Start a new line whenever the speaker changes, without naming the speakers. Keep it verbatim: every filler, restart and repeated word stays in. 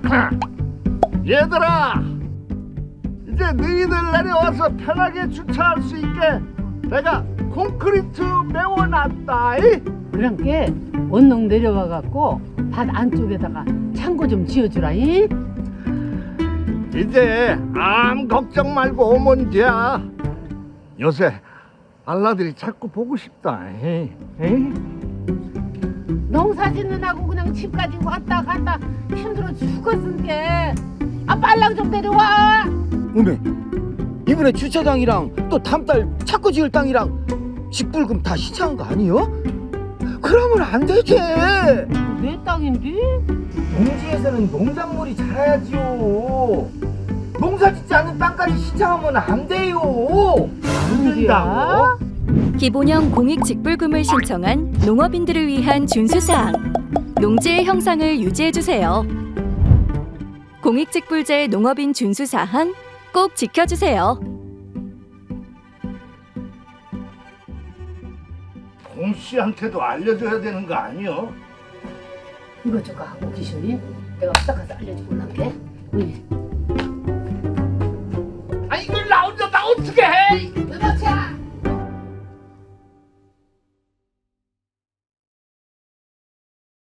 얘들아, 이제 너희들 내려와서 편하게 주차할 수 있게 내가 콘크리트 메워놨다.
그랑께 언능 내려와갖고 밭 안쪽에다가 창고 좀 지어주라이.
이제 아무 걱정 말고 오면 돼. 요새 알라들이 자꾸 보고 싶다. 에이, 에이?
농사 짓는 하고 그냥 집 가지고 왔다 갔다 힘들어 죽었으니까 아 빨랑 좀 내려와.
어메, 이번에 주차장이랑 또 다음 달 차고 지을 땅이랑 직불금 다 신청한 거 아니요? 그러면 안 되지.
내 땅인데?
농지에서는 농작물이 자라야지요. 농사 짓지 않는 땅까지 신청하면 안 돼요.
안 된다고?
기본형 공익 직불금을 신청한 농업인들을 위한 준수사항. 농지의 형상을 유지해주세요. 공익직불제 농업인 준수사항 꼭 지켜주세요.
공 씨한테도 알려줘야 되는 거 아니요?
이거 저거 하고 계시니? 내가 딱 가서 알려주고 올게. 응.
아 이걸 나 혼자 다 어떻게 해?